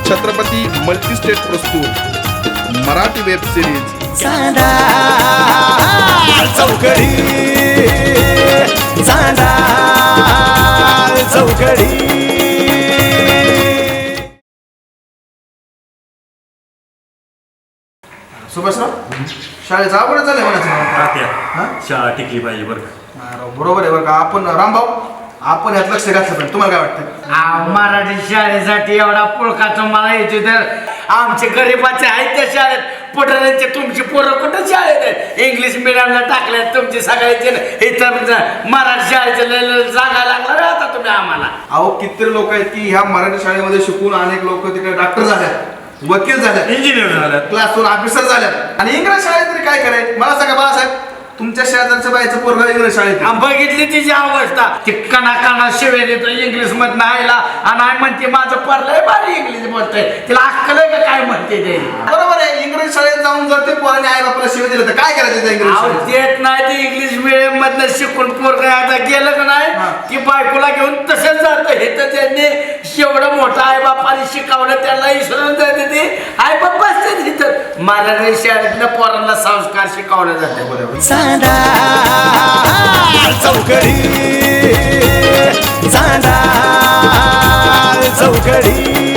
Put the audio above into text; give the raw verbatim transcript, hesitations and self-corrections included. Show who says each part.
Speaker 1: Chhatrapati multistate प्रस्तुत Marathi web series
Speaker 2: Chanda Chaukadi Chanda Chaukadi.
Speaker 1: Subhashrao शाळेचा आवड झालं म्हणायचं
Speaker 3: शाळा टिकली पाहिजे बरं का.
Speaker 1: बरोबर आहे बरं का. आपण रामभाऊ आपण यात लक्ष घातलं पाहिजे. तुम्हाला काय वाटतं?
Speaker 4: मराठी शाळेसाठी एवढा पुळकाचं मला यायचे तर आमचे गरीबाचे आहेत त्या शाळेत पटण्याचे तुमची पोरं कुठं शाळेत आहेत इंग्लिश मिडियमला टाकले तुमचे सगळ्याचे इथं मराठी शाळेचे जागा लागला आता तुम्ही आम्हाला.
Speaker 1: अहो किती लोक आहेत की ह्या मराठी शाळेमध्ये शिकून अनेक लोक तिकडे डॉक्टर झाल्यात, वकील झाल्यात,
Speaker 3: इंजिनियर झालं,
Speaker 1: क्लास वन ऑफिसर झाल्यात आणि इंग्रज शाळेत तरी काय करायचं मला सांगा बाळासाहेब. तुमच्या शेजारच्या बाईचं पोरगा इंग्रज शाळेत
Speaker 4: आम्ही बघितली तिची अवस्था ती कणा कणा शिवे देतो इंग्लिश मधनं आयला आणि आई म्हणते माझं परलंय भारी इंग्लिश बोलतोय तिला अक्कल आहे का काय म्हणते ते.
Speaker 1: बरोबर आहे. इंग्रज शाळेत जाऊन जर ते पोराने आई बापाला शिवाय दिलं तर काय करायचं त्या इंग्रज
Speaker 4: अहो,
Speaker 1: शाळेत?
Speaker 4: देत नाही ते इंग्लिश मिडियम मधनं शिकून पोरगा आता गेलं का नाही की बायकोला घेऊन तसंच जातं हे तर त्यांनी एवढं मोठं आई बापाने शिकवलं त्यांना विसरून जाते ते आई बाप बसते तिथं मराठी शाळेतल्या पोरांना संस्कार शिकवले जाते.
Speaker 2: चांदा चौकडी चांदा चौकडी.